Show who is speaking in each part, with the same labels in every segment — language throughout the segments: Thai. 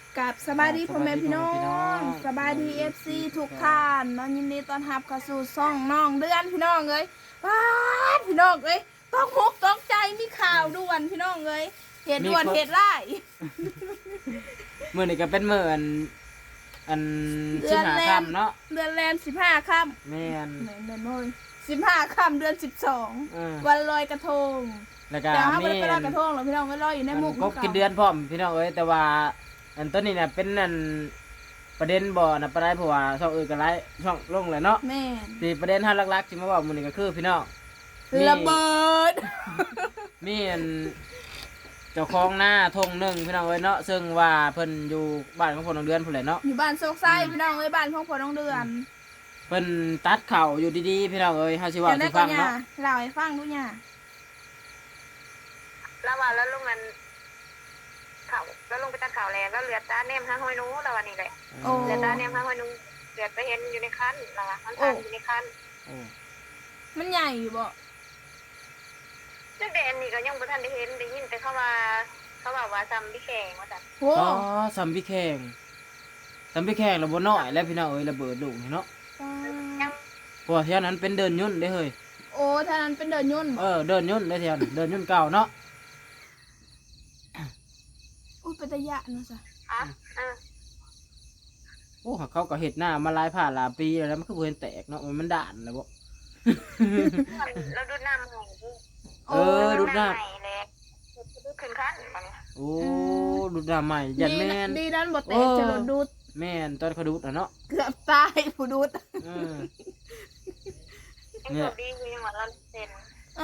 Speaker 1: กับสบายดีพ่อแม่พี่น้องสบายดีFCทุกท่านน้องยินดีต้อนรับเข้าสู่ช่องน้องเดือนพี่น้องเอ้ยว้าพี่น้องเอ้ยต้องมุกต้องใจมีข่าวด่วนพี่น้องเอ้ยเหตุด่วนเหตุร้าย
Speaker 2: มื้อนี้ก็เป็นมื้ออัน15ค่ำเนาะ
Speaker 1: เดือนแรม15ค่ำ
Speaker 2: แม่น
Speaker 1: เลย15ค่ำเดือน12วันลอยกระทง
Speaker 2: แล้วก็
Speaker 1: แต่ถ้าไม่ได้ไปลอยกระทงหรอกพี่น้องก็ลอยอยู่ในมุก
Speaker 2: ก็กินเดือนพร้อมพี่น้องเอ้ยแต่ว่าอันต้นนี้น่ะเป็นอันประเด็นบ่น่ะปานใดเพราะว่าช่องอื่นก็หลายช่องลงแล้วเนาะ
Speaker 1: แม่น
Speaker 2: ที่ประเด็นเฮาหลักๆที่มาเว้ามื้อนี้ก็คือพี่น้อง
Speaker 1: ระเบิด
Speaker 2: มีอันเจ้าของหน้าทงหนึ่งพี่น้องเอ้ยเนาะซึ่งว่าเพิ่นอยู่บ้านของพ่อน้องเดือนพุ่นแหละเนาะ
Speaker 1: อยู่บ้านโซกไส้พี่น้องเอ้ยบ้านของพ่อน้องเดือน
Speaker 2: เพิ่นตัดเข่าอยู่ดีๆพี่น้องเอ้ยเฮาสิว่าสิฟังเนาะ
Speaker 1: เล่าให้ฟังดูเนี่ย
Speaker 3: แล้วว่าแล้วลงมันเขาแล้วลงไปตัดข่าวแล้วเหลือตาเนมห้าห้อยนู้แล้ววันนี้แหละเหลือตาเนมห้าห้อยนู้เหลือไปเห็นอยู่ในคันแล้วว่ามันทางอยู่ในคัน
Speaker 1: มันใหญ่อยู่บ่
Speaker 3: ซึ่งแต่อันนี้ก็ยังบ่ทันได้เห็นได้ยินแต่เขาว่าซ้ำพี่แข่งว่าซั่น
Speaker 1: โอ้
Speaker 2: ซ้ำพี่แข่งแล้วบ่น้อยแล้วพี่น้องเอ้ยระเบิดลูกนี่เนาะเพราะว่าเที่ยนั้นเป็นเดินยุ่นเด้เฮ้ย
Speaker 1: โอ้ท่านั้นเป็นเดินยุ่น
Speaker 2: เดินยุ่นได้เที่ยนั้นเดินยุ่นเก่าเนาะ
Speaker 1: อุ้ยเป็นตะยะเนาะจ้ะ
Speaker 2: โอ้เขาก็เฮ็ดหน้ามาหลายผ่านหลายปีแล้วมันคือบ่เห็นแตกเนาะมันด่านแล้วบ่
Speaker 3: แล้วดูดน้ำให้
Speaker 2: ดูดน้ำ
Speaker 3: แล้วดูขึ้นคันบัดนี้
Speaker 2: โอ้ดูดน้ำใหม่ยันแม่น
Speaker 1: ดีนั้นบ่แตกจะโดนดูด
Speaker 2: แม่นตอนเขาดูดเนาะ
Speaker 1: เกือบตายผู้ดูด
Speaker 3: เนี่ยดีคือยังว่าเราเซ็น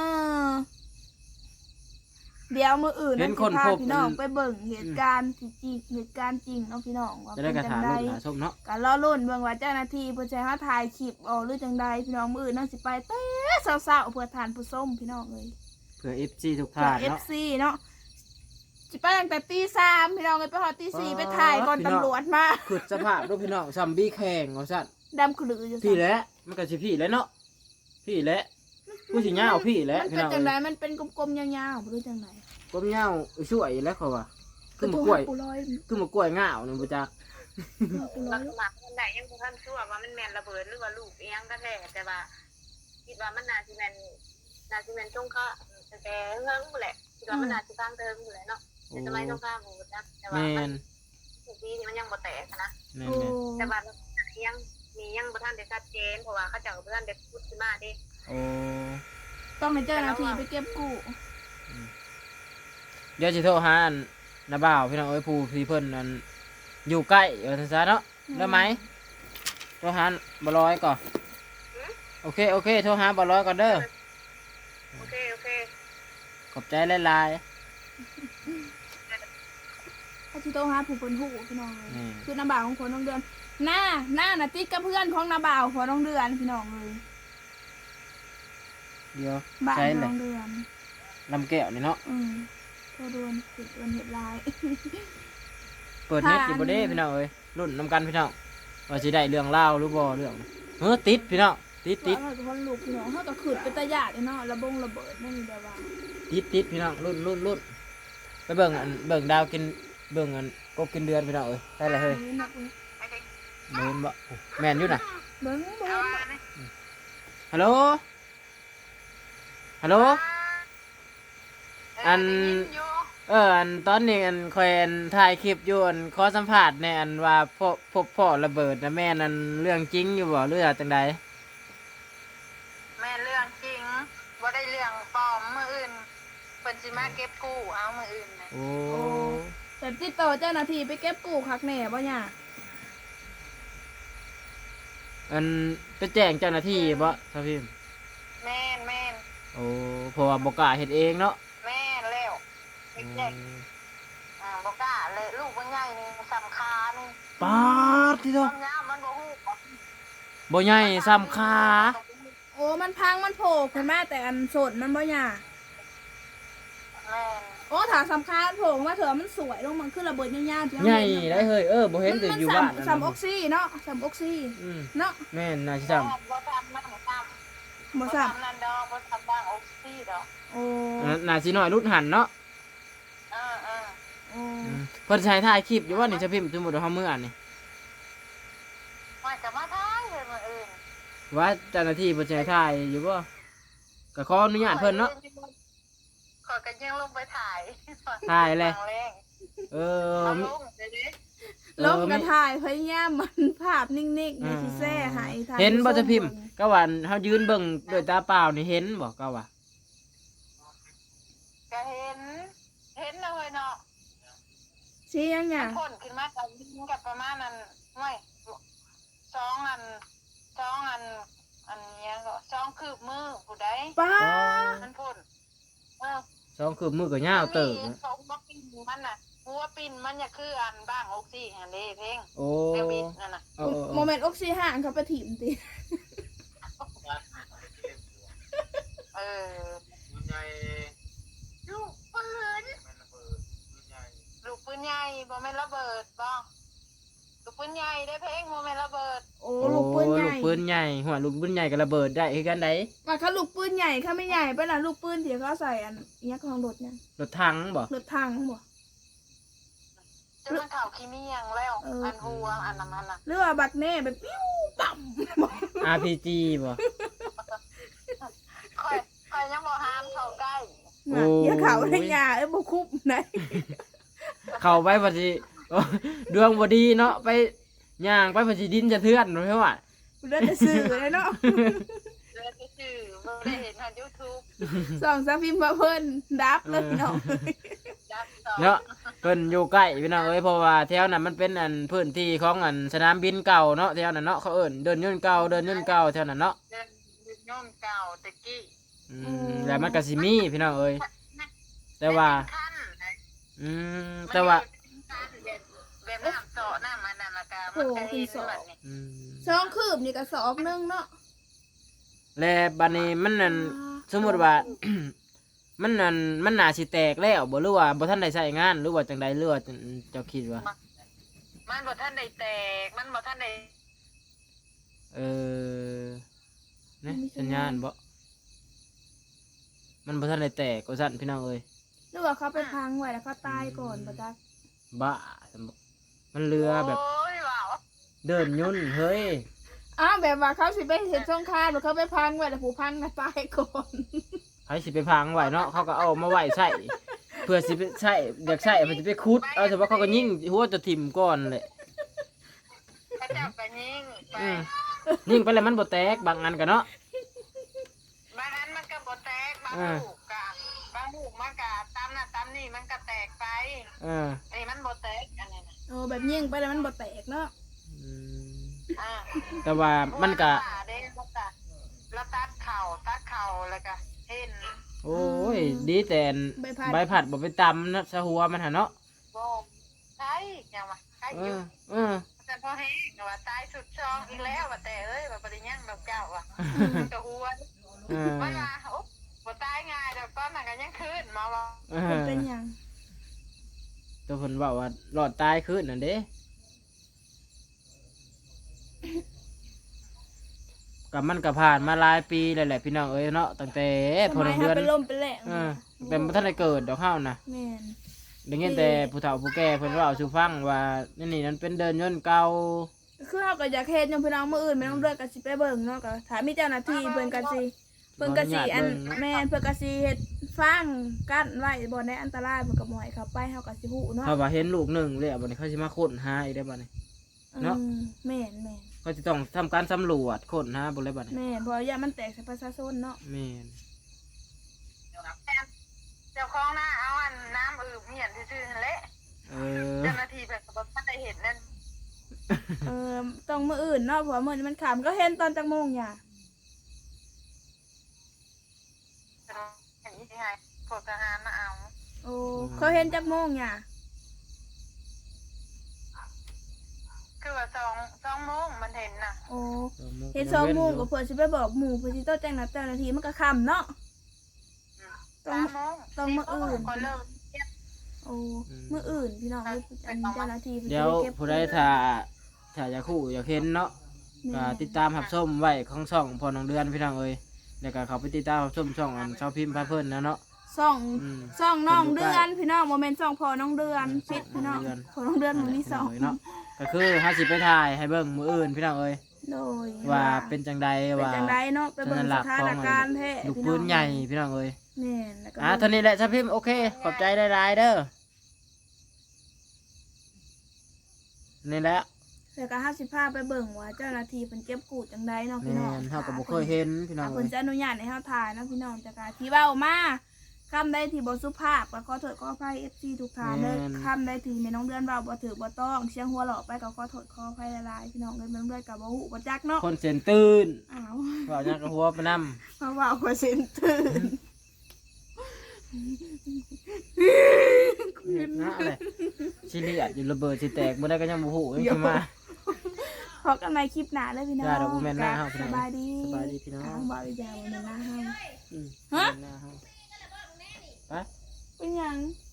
Speaker 1: เดี๋ยวมื้ออื่นนะพาพี่น้องไปเบิ่งเหตุการณ์ที่จริงเหตุการณ์จริงเนาะพี่น้องว่าเป็นจังได๋ก็รอลุ้นเบิ่งว่าเจ้าหน้าที่เพิ่นสิหาถ่ายคลิปออกหรือจังใดพี่น้องมื้ออื่นน่าสิไปแต่เช้าๆเพื่อทานผู้ชมพี่น้องเอ้ย
Speaker 2: เพื่อ FC ทุกท่านเนาะ
Speaker 1: FC เนาะสิไปตั้งแต่ตี 3พี่น้องเอ้ยไปฮอดตี 4ไปถ่ายก่อนตำรวจมา
Speaker 2: คือสภาพดูพี่น้องซัมบี้แข่งว่าซั่น
Speaker 1: ดำขลืออยู่
Speaker 2: พี่แหละมันก็สิพี่แหละเนาะพี่แหละผู้สิยาวพี่แหละ
Speaker 1: พี่น้องมันเป็นจังได๋มันเป็นกลมๆยาวๆบ่รู้จังได๋
Speaker 2: กลมยาวช่วยแล้วเขาว่าคือมะกล้วยง่าวนึงบ่จัก
Speaker 3: ลักษณะมันได้ยังบ่ทันชัวร์ว่ามันแม่นระเบิดหรือว่าลูกอีหยังกันแท้แต่ว่าคิดว่ามันน่าสิแม่นจงค่ะแต่เฮิงพุ่นแหละคิดว่ามันน่าสิฟังเทิงพุ่นแหละเนาะแต่สมัยสงครามบ่จักแต่ว่ามันทุกปีนี่มันยังบ่แตกนะแต่ว่ายังบ่ทันได้ชัดเจนเพราะว่าเขาเจ้าบ่ทันได้พูดขึ้นมาเด้
Speaker 1: ต้องให้เจ้าหน้าที่ไปเก็บกู้
Speaker 2: เดี๋ยวสิโทรหาน้าบ่าวพี่น้องเอ้ยผู้ที่เพิ่นนั่นอยู่ใกล้ซั่นซะเนาะได้มั้ยโทรหาบ่ร้อยก่อนโอเคโทรหาบ่ร้อยก่อนเด้อ
Speaker 3: โอเค
Speaker 2: ขอบใจหลาย
Speaker 1: ๆถ้าสิโทรหาผู้เพิ่นฮู้พี่น้องคือน้าบ่าวของคนน้องเดือนหน้าน่ะติดกับเพื่อนของน้าบ่าวของน้องเดือนพี่น้องเลย
Speaker 2: เดี๋ยว
Speaker 1: ใช่น้องเดือน
Speaker 2: ลำแก้วนี่เนาะ
Speaker 1: โทรด่วนติดวันเฮ็ดลาย
Speaker 2: เปิดเน็ตอยู่บ่เด้พี่น้องเอ้ยรุ่นนำกันพี่น้องว่าสิได้เรื่องราวหรือบ่เรื่องติดพี่น้องติด
Speaker 1: คนลูกพี่น้องเฮาก็ขึ้นเป็นตาญาติเนาะระเบิดนั่นแบบว่า
Speaker 2: ติดพี่น้องรุ่นไปเบิ่งดาวกินเบิ่งกบกินเดือนพี่น้องเอ้ยได้เลยเฮ้ยเบิ่งบ่แม่นอยู่น่ะ
Speaker 1: เบิ่ง
Speaker 2: ฮัลโหลอันตอนนี้คอยถ่ายคลิปอยู่ขอสัมภาษณ์ในว่าพบพ่อระเบิดนะแม่นั่นเรื่องจริงอยู่บ่หรือจังใด
Speaker 3: แม่เรื่องจริงบ่ได้เรื่องปลอมมื้ออื่นเพิ่นสิมาเก็บกู้เอามื้ออื่น
Speaker 2: โอ้
Speaker 1: แต่ติดต่อเจ้าหน้าที่ไปเก็บกู้คักแน่บ่เนี่ย
Speaker 2: ไปแจ้งเจ้าหน้าที่บ่ครับพี่
Speaker 3: แม่น
Speaker 2: โอ้เพราะว่าบ่กล้าเฮ็ดเองเนาะ
Speaker 3: แม่นแล้วเด็กบ่กล้าเลยลูกมันใหญ่นี่สำคัญ
Speaker 2: ป๊าดที่โต
Speaker 3: มันบ่ฮู้
Speaker 2: บ่ใหญ่สำคา
Speaker 1: โอ้มันพังมันโผล่ขึ้นมาแต่สดมันบ่ใหญ่โอ้ถ้าสำคัญโผล่มาเถอะมันสวยลงมันขึ้นระเบิดยาว
Speaker 2: ๆใหญ่ได้เฮ้ยบ่เห็นแต่อยู่บ้าน
Speaker 1: ซ้ำออกซิเนาะซ้ำออกซิเนาะ
Speaker 2: แม่นน่าสิซ้ำ
Speaker 1: บ่ซ้ำ
Speaker 3: นั่นดอกบ่ซ้ำบ้างออกซิดอก
Speaker 1: โอ้
Speaker 2: น่าสิน้อยรุดหันเนาะ
Speaker 1: โอ้
Speaker 2: เพิ่นใช้ถ่ายคลิปอยู่ว่านี่จะพิมพ์สมมุติว่าเฮามื้ออันนี่
Speaker 3: ว่าจะมาท้ายเลยมื้ออื่น
Speaker 2: ว่าเจ้าหน้าที่เพิ่นใช้ถ่ายอยู่บ่ก็ขออนุญาตเพิ่นเนาะ
Speaker 3: ขอกันยังลงไปถ่าย
Speaker 2: ถ่ายเลย
Speaker 3: ครั้งแรก
Speaker 2: เออ
Speaker 3: เอาลงเดี๋ยวนี้
Speaker 1: ลบกระถ่ายพยายามมันภาพนิ่งๆในที่แซ่หายถ่าย
Speaker 2: เห็นบ่จะพิมพ์ก็ว่าเฮายืนเบิ่งด้วยตาเปล่านี่เห็นบ่ก็ว่า
Speaker 3: ก็เห็นนะเว้ยเนาะ
Speaker 1: ชี้ยังไง
Speaker 3: มันพ่นขึ้นมากับยิงกับประมาณนั้นไม่สองอันอันเนี้ยก็สองคืบมือผู้ใด
Speaker 1: ป้า
Speaker 3: มันพ่นเออ
Speaker 2: สองคือมือก็ยาวเติบ
Speaker 3: มันมีสองบล็อกปิ้นมันน่ะหัวปิ้นมันอย่าคืออันบ้างออกซี่อันเด้เพ่ง
Speaker 2: โอ้
Speaker 3: เดวิดนั่นน่ะ
Speaker 2: เอา
Speaker 1: โมเมนต์ออกซิห่างเขาไปถิ่มติ
Speaker 3: เออลูกปืนลูกปืนใหญ่บ่แม่นระเบิดบ่ลูกปืนใหญ่ได้เพ่งบ่แม่นระเบิด
Speaker 1: โอ้ลูกปืนใหญ่
Speaker 2: ลูกปืนใหญ่หัวลูกปืนใหญ่ก็ระเบิดได้คือกันได
Speaker 1: มาเขาลูกปืนใหญ่เขาไม่ใหญ่ไปละลูกปืนที่เขาใส่อันเนี้ยของรถเนี่ย
Speaker 2: รถถังบ่
Speaker 1: รถทางบ่
Speaker 3: จะมันข่าวขี้เมียงแล้วอันหัวอันนั้นน่ะ
Speaker 1: หรือว่าบักแน่แบบปิ้วต่ำ
Speaker 2: RPG บ่
Speaker 3: ค่อยยังบ่ห้ามเข้าใกล้
Speaker 1: น่ะอย่าเขาได้ยาบ่คุบไหน
Speaker 2: เข้าไปพอดีโอ้ดวงบ่ดีเนาะไปย่างไปพอดีดินจะเทือนเพราะว่า
Speaker 1: เลือดจะซื้อเลยเนาะ
Speaker 3: เลือดซื่อบ่ได้เห็นทาง YouTube
Speaker 1: ส่องซาฟิมมาเพิ่นดับเลยเนาะ
Speaker 3: ดับสอง
Speaker 2: เนาะเพิ่นอยู่ใกล้พี่น้องเอ้ยเพราะว่าแถวนั้นมันเป็นอันพื้นที่ของอันสนามบินเก่าเนาะแถวนั้นเนาะเขาเอิ้นเดินย่นเก่าแถวนั้นเนาะ
Speaker 3: เดินย่อมเก่าตะกี้
Speaker 2: แล้วมันก็สิมีพี่น้องเอ้ยแต่ว่า
Speaker 3: ขั้นนะ
Speaker 2: แต่ว่า
Speaker 3: แบบน้ำโซน้ำมันน่ะละกะมันก็เห็นแบบนี้
Speaker 1: สองคืบนี่ก็สอบนึงเนาะ
Speaker 2: แล้วบัดนี้มันนั่นสมมุติว่า มันนั่นมันน่าสิแตกแล้วบ่หรือว่าบ่ทันได้ใช้งานหรือว่าจังใดหรือว่าเจ้าคิดว่า
Speaker 3: มันบ่ทันได้แตกมันบ่ทันได้
Speaker 2: เออนะสัญญาณบ่มันบ่ทันได้แตกว่าซั่นพี่น้องเอ้ย
Speaker 1: หรือว่าเขาไปพังไว้แล้วเขาตายก่อนบ่จ๊ะ
Speaker 2: บ้ามันเรือแบบ
Speaker 3: โอ้ยว้าว
Speaker 2: เดินยุ่นเฮ้ย
Speaker 1: อ้าวแบบว่าเขาสิไปเห็นสงครามหรือเขาไปพังไว้แล้วผู้พังก็ตายก่อน
Speaker 2: ไผสิไปพังไว้เนาะเขาก็เอามาไว้ใส่เพื่อสิไปใส่อยากใส่มันสิไปขุดเอาแต่ว่าเขาก็ยิงหัวจะทิ่มก่อนแหละ
Speaker 3: พระเจ้าก็ยิงไป
Speaker 2: ยิงไปแล้วมันบ่แตกบางอันก็เนาะ
Speaker 3: บางอันมันก็บ่แตกบางลูกก็บางลูกมันก็ตามน่ะตามนี่มันก็แตกไปไอ้มันบ่แตกอันนี้น่ะ
Speaker 1: โอ้แบบยิงไปแล้วมันบ่แตกเนาะ
Speaker 3: อ่า
Speaker 2: แต่ว่ามันก็
Speaker 3: แล้วตัดเข่าแล้วก็เห็น
Speaker 2: โอ้ยดีแต่ใบผัดบ่ไปตำนะสะหัวมันหั่นเนาะ
Speaker 3: บ่ใช่ยังวะใช่อยู่แต่พอแห้งว่าตายสุดช่องอีกแล้วว่าแต่เอ้ยว่าปริญญาดอกเจ้าว่ะมันก็หัวมันว่าโอ้บ่ตายง่ายดอกตอนนั้นก็ยังคืนมาว่า
Speaker 1: มันเป็นหยัง
Speaker 2: ตัวเพิ่นเว้าว่ารอดตายคืนนั่นเด้กับมันก็ผ่านมาหลายปีแล้วแหละพี่น้องเอ้ยเนาะตั้งแต่พอ
Speaker 1: ทำไม
Speaker 2: เดือน
Speaker 1: เป็นลมเป็นแหลง
Speaker 2: แต่บ่ทันได้เกิดดอกเฮานะ
Speaker 1: แม่น
Speaker 2: ได้ยินแต่ผู้เฒ่าผู้แก่เพิ่นเว้าสู่ฟังว่านี่นั่นเป็นเดินยนต์เก่า
Speaker 1: คือเขาก็อยากเฮ็ดยังพี่น้องมื้ออื่นไม่ต้องเลือกก็สิไปเบิ่งเนาะก็ถ้ามีเจ้าหน้าที่เพิ่นก็สิอันแม่นเพิ่นก็สิเฮ็ดฟังกั้นไว้บ่ได้อันตรายเพิ่นก็บ่ให้เข้าไปเฮาก็สิฮู้เนาะ
Speaker 2: เขาว่าเห็นลูกหนึงเลยบัดนี้เขาสิมาค้นหาอีกได้บัดนี้ เนาะ
Speaker 1: แม่น
Speaker 2: เขาสิต้องทำการสำรวจค้นหาบ่เลยบัดนี้
Speaker 1: แม่นเพราะอย่ามันแตกใส่ประชาชนเนาะ
Speaker 2: แม่น
Speaker 3: เจ้าของหน้าเอาอันน้ำอืบเหียนซื่อๆนั่นแหละ
Speaker 2: เออ
Speaker 3: เจ้าหน้าที่แบบบ่ทันได้เห็นนั่น
Speaker 1: ต้องมื้ออื่นเนาะเพราะว่ามื้อนี้มันค่ำก็เห็นตอนจักโมงหย่า
Speaker 3: อย่างนี้ไงพวกทหารมาเอา
Speaker 1: โอ้เขาเห็นจักโมงหย่า
Speaker 3: คือว่า2 โมงมันเห็นน่ะ
Speaker 1: โอ้เห็น2โมงก็เพิ่นสิไปบอกหมู่เพิ่นสิต้องแจ้งนัดเจ้าหน้าที่มันก็ค่ำเนาะ
Speaker 3: 3 โมง
Speaker 1: ต้องมื้ออื่น
Speaker 3: ก็เริ่มเก็บ
Speaker 1: โอ้มื้ออื่นพี่น้องอันเจ้าหน้าที่
Speaker 2: เดี๋ยวผู้ใดถ้าอยากคู่อยากเห็นเนาะก็ติดตามรับชมไว้ของช่องพอน้องเดือนพี่น้องเอ้ยแล้วก็เขาไปติดตามรับชมช่องอันชาวพิมพ์พาเพิ่นนะเนาะ
Speaker 1: ซ่อง
Speaker 2: อืม
Speaker 1: ซ่องน้อง
Speaker 2: เพิ่
Speaker 1: เดื
Speaker 2: นอยู่
Speaker 1: อนพี่น้องโมเมนต์ซ่องพอน้องเดือนพิษพี่น้องพอน้องเดือนมันมีซ่อง
Speaker 2: เนาะก็คือเฮาสิไปถ่ายให้เบิ่งมื้ออื่นพี่น้องเอ้ย
Speaker 1: โดย
Speaker 2: ว่าเป็นจังใด
Speaker 1: เป็น
Speaker 2: ว่า
Speaker 1: จังไดเนาะไปเบิ่งสถานการณ์แท้
Speaker 2: ลูกปืนใหญ่พี่น้องเอ้ย
Speaker 1: แม่นแล้วก็
Speaker 2: เท่านี้แหละซะพิมพ์โอเคขอบใจหลายๆเด้อนี่แหละ
Speaker 1: แล้วก็50พาไปเบิ่งว่าเจ้าหน้าที่เพิ่นเก็บกูดจังไดเนาะพี่
Speaker 2: แม่
Speaker 1: น้อง
Speaker 2: นเฮาก็บ่เคยเห็นพี่น้อง
Speaker 1: เพิ่
Speaker 2: เอ้
Speaker 1: น
Speaker 2: ย
Speaker 1: จะอนุญาตให้เฮาถ่ายเนาะพี่น้องแต่ก็ที่เว้ามาคำใดที่บ่สุภาพก็ขอโทษขออภัย FC ทุกท่านเด้อคำใดที่แม่น้องเดือนเว้าบ่ถูกบ่ต้องเสียงหัวเราะไปก็ขอโทษขออภัยหลายๆพี่น้องเอ้ยแม่น้องเดือนก็บ่ฮู้บ่จักเนาะ
Speaker 2: คนเส้นตื่น
Speaker 1: อ้าว
Speaker 2: เว้าหยังก็หัวไปนำ
Speaker 1: เพราะว่าก็เส้นตื่น
Speaker 2: นะอะไรสิเลียดอยู่ระเบิดสิแตกบ่ได้ก็ยังบ่ฮู้ยังสิมา
Speaker 1: พบกันใหม่คลิปหน้าเลยพี่น้อง
Speaker 2: จ้าดอกบัวแม่นหน้าเฮาพี่
Speaker 1: ส
Speaker 2: น้อง
Speaker 1: บายดี
Speaker 2: สบายดีพี่น้อง
Speaker 1: ทางบ่าวอีกอย่างวันหนึ่งหน้าเฮา
Speaker 2: อืม
Speaker 1: ฮะ
Speaker 2: หน้าเฮาไป
Speaker 1: เป็นหยัง